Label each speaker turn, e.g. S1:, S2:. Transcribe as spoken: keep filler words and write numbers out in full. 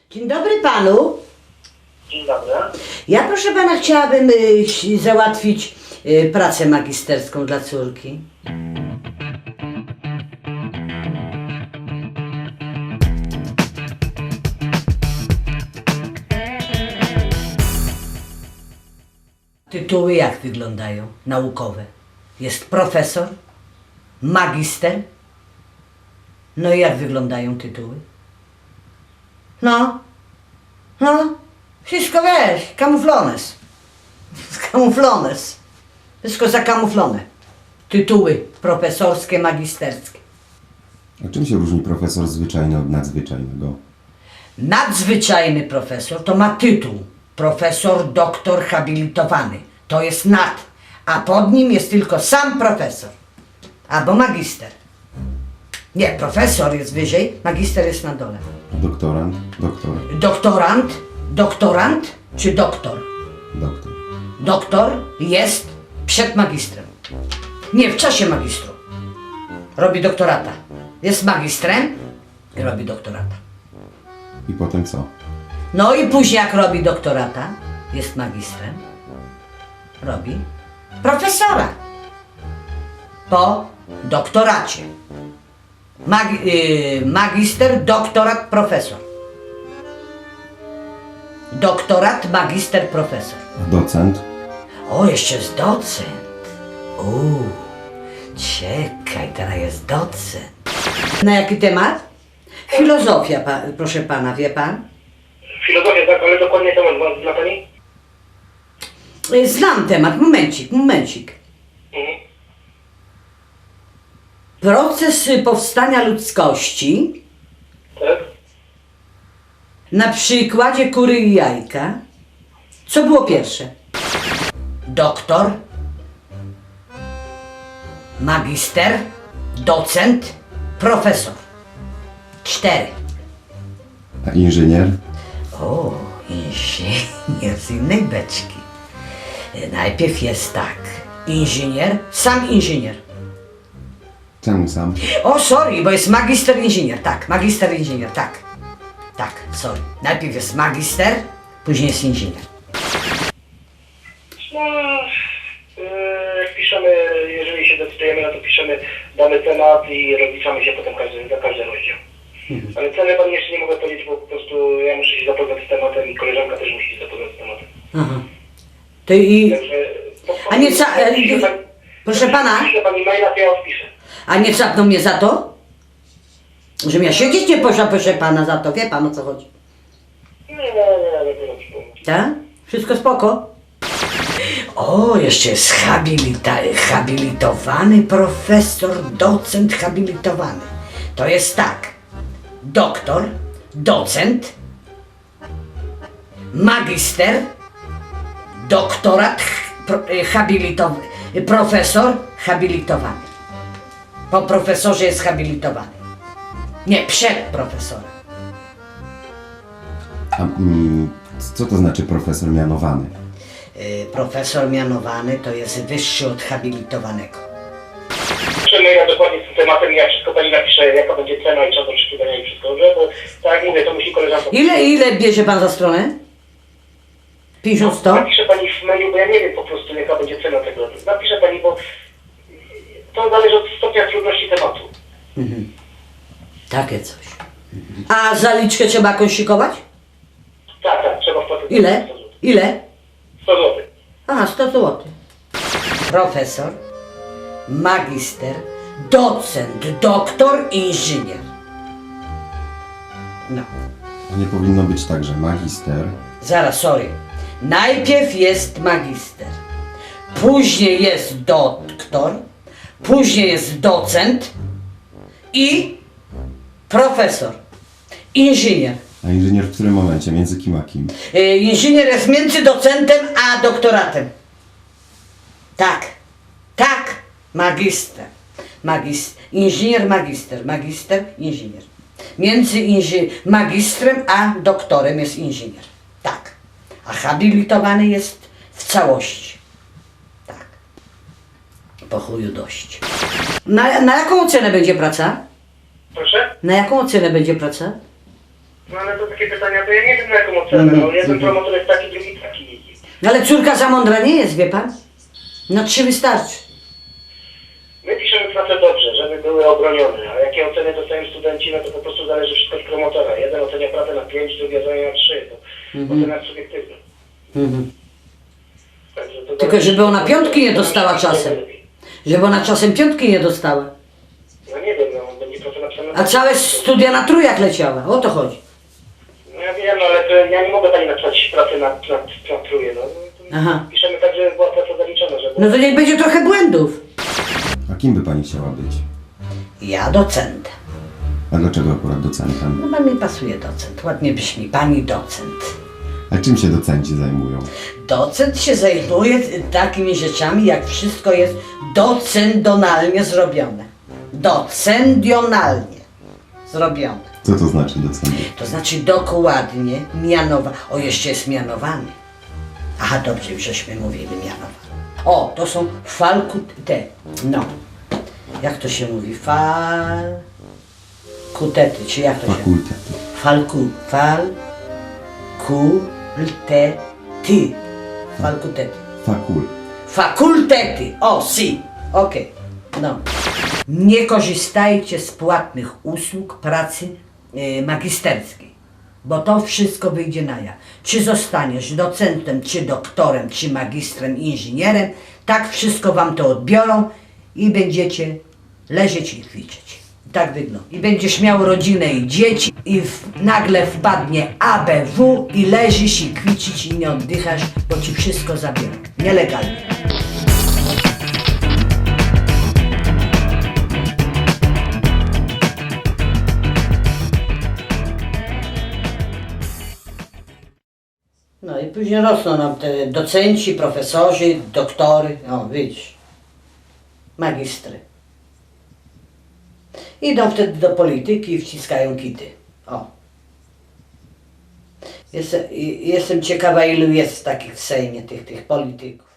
S1: Dzień dobry panu.
S2: Dzień dobry.
S1: Ja proszę pana chciałabym y, załatwić y, pracę magisterską dla córki. Tytuły jak wyglądają? Naukowe. Jest profesor, magister. No i jak wyglądają tytuły? No, no, wszystko wiesz, kamuflones. Kamuflones. Wszystko zakamuflone. Tytuły profesorskie, magisterskie.
S3: A czym się różni profesor zwyczajny od nadzwyczajnego?
S1: Nadzwyczajny profesor to ma tytuł. Profesor, doktor, habilitowany. To jest nad. A pod nim jest tylko sam profesor. Albo magister. Nie, profesor jest wyżej, magister jest na dole.
S3: A doktorant? Doktor?
S1: Doktorant, doktorant czy doktor?
S3: Doktor.
S1: Doktor jest przed magistrem. Nie, w czasie magistru. Robi doktorata. Jest magistrem i robi doktorata.
S3: I potem co?
S1: No i później jak robi doktorata, jest magistrem, robi profesora. Po doktoracie. Mag, yy, magister, doktorat, profesor. Doktorat, magister, profesor.
S3: A docent?
S1: O, jeszcze jest docent. Uuu, czekaj, teraz jest docent. Na jaki temat? Filozofia, pa, proszę pana, wie pan?
S2: Filozofia, tak, ale dokładnie temat ma- zna Pani?
S1: Y, Znam temat, momencik, momencik.
S2: Mhm.
S1: Proces y, powstania ludzkości
S2: Tak?
S1: na przykładzie kury i jajka. Co było pierwsze? Doktor, magister, docent, profesor. Cztery.
S3: A inżynier?
S1: O, inżynier z innej beczki. Y, Najpierw jest tak. Inżynier, sam inżynier.
S3: Czemu sam?
S1: O, sorry, bo jest magister inżynier, tak, magister inżynier, tak. Tak, sorry. Najpierw jest magister, później jest inżynier.
S2: No, yy, piszemy, jeżeli się decydujemy, no to piszemy dany temat i rozliczamy się potem każdy, za każdy rozdział. Ale ceny Pani jeszcze nie mogę powiedzieć, bo po prostu ja muszę się zapoznać z tematem i koleżanka też musi się zapoznać z tematem.
S1: Aha. To i...
S2: Także... po-
S1: A nie ca- e,
S2: pisze pani-
S1: proszę pana?
S2: Pisze Pani maila, to ja odpiszę.
S1: A nie capną mnie za to? Żebym ja siedzieć nie poszła, proszę pana, za to. Wie pan, o co chodzi?
S2: Nie, nie, nie, nie, nie, nie.
S1: Tak? Wszystko spoko? O, jeszcze jest habilita- habilitowany profesor, docent habilitowany. To jest tak. Doktor, docent, magister, doktorat, pro, habilitowany, profesor habilitowany. Po profesorze jest habilitowany. Nie, przed profesorem.
S3: A mm, co to znaczy profesor mianowany?
S1: Yy, profesor mianowany to jest wyższy od habilitowanego.
S2: Piszemy ja dokładnie z tym tematem i ja wszystko Pani napiszę, jaka będzie cena i czas oczekiwania i wszystko, dobrze? Bo tak jak mówię, to musi koleżanka...
S1: Ile, ile bierze pan za stronę? pięćdziesiąt, sto?
S2: Napisze Pani w mailu, bo ja nie wiem po prostu, jaka będzie cena tego. Napisze Pani, bo to zależy od stopnia trudności tematu.
S1: Mhm. Takie coś. Mhm. A zaliczkę trzeba jakąś szykować?
S2: Tak, tak, trzeba wpłacić.
S1: Ile?
S2: sto złotych.
S1: Ile?
S2: sto złotych.
S1: Aha, sto złotych. Profesor, magister, docent, doktor, inżynier. No.
S3: A nie powinno być tak, że magister,
S1: Zaraz, sorry. Najpierw jest magister, później jest doktor, później jest docent i profesor, inżynier.
S3: a inżynier w którym momencie? Między kim a kim?
S1: Yy, inżynier jest między docentem a doktoratem. Tak, tak, magister. Magis, inżynier, magister, magister, inżynier. Między inży, magistrem a doktorem jest inżynier. Tak. A habilitowany jest w całości. Tak. Po chuju dość. Na, na jaką cenę będzie praca?
S2: Proszę?
S1: Na jaką cenę będzie praca?
S2: No ale to takie pytania, to ja nie wiem na jaką ocenę. No, jeden promotor jest taki, drugi taki.
S1: No ale córka za mądra nie jest, wie pan? No trzy wystarczy.
S2: My piszemy pracę dobrze, żeby były obronione, a jakie oceny dostają studenci, no to po prostu zależy wszystko od promotora. Jeden ocenia pracę na pięć, drugi ocenia na trzy. To
S1: Mhm.
S2: ocena jest subiektywna.
S1: Mhm.
S2: Także to
S1: Tylko
S2: zależy-
S1: żeby ona piątki nie dostała czasem. Żeby ona czasem piątki nie dostała.
S2: No nie wiem, no będzie pracę napisana.
S1: A całe studia na trójach leciała. O to chodzi.
S2: No ja wiem, no, ale to ja nie mogę pani napisać pracy na, na, na truje, no.
S1: Aha.
S2: Piszemy tak, żeby była praca zaliczona, żeby...
S1: No to niech będzie trochę błędów.
S3: A kim by pani chciała być?
S1: Ja docentem.
S3: A dlaczego akurat docentem?
S1: No bo mi pasuje docent. Ładnie brzmi. Pani docent.
S3: A czym się docenci zajmują?
S1: Docent się zajmuje takimi rzeczami, jak wszystko jest docendonalnie zrobione. Docendionalnie zrobione.
S3: Co to znaczy docent?
S1: To znaczy dokładnie mianowa. O, jeszcze jest mianowany. Aha, dobrze, już żeśmy mówili mianowany. O, to są falkute. No. Jak to się mówi? Falkutety, czy jak to się...
S3: Fakultety.
S1: Falku, fal, ku, te, ty. Falkutety.
S3: Fakul.
S1: Fakultety. O, si. Okej. No. Nie korzystajcie z płatnych usług pracy y, magisterskiej, bo to wszystko wyjdzie na jaw. Czy zostaniesz docentem, czy doktorem, czy magistrem, inżynierem, tak wszystko wam to odbiorą i będziecie leżeć i kwiczeć. Tak wygląda. I będziesz miał rodzinę i dzieci i w, nagle wpadnie A B W i leżysz i kwiczysz i nie oddychasz, bo ci wszystko zabiorą. Nielegalnie. No i później rosną nam te docenci, profesorzy, doktory, o widzisz, magistry. Idą wtedy do polityki i wciskają kity. O. Jestem, i- jestem ciekawa, ilu jest takich w Sejmie, tych, tych polityków.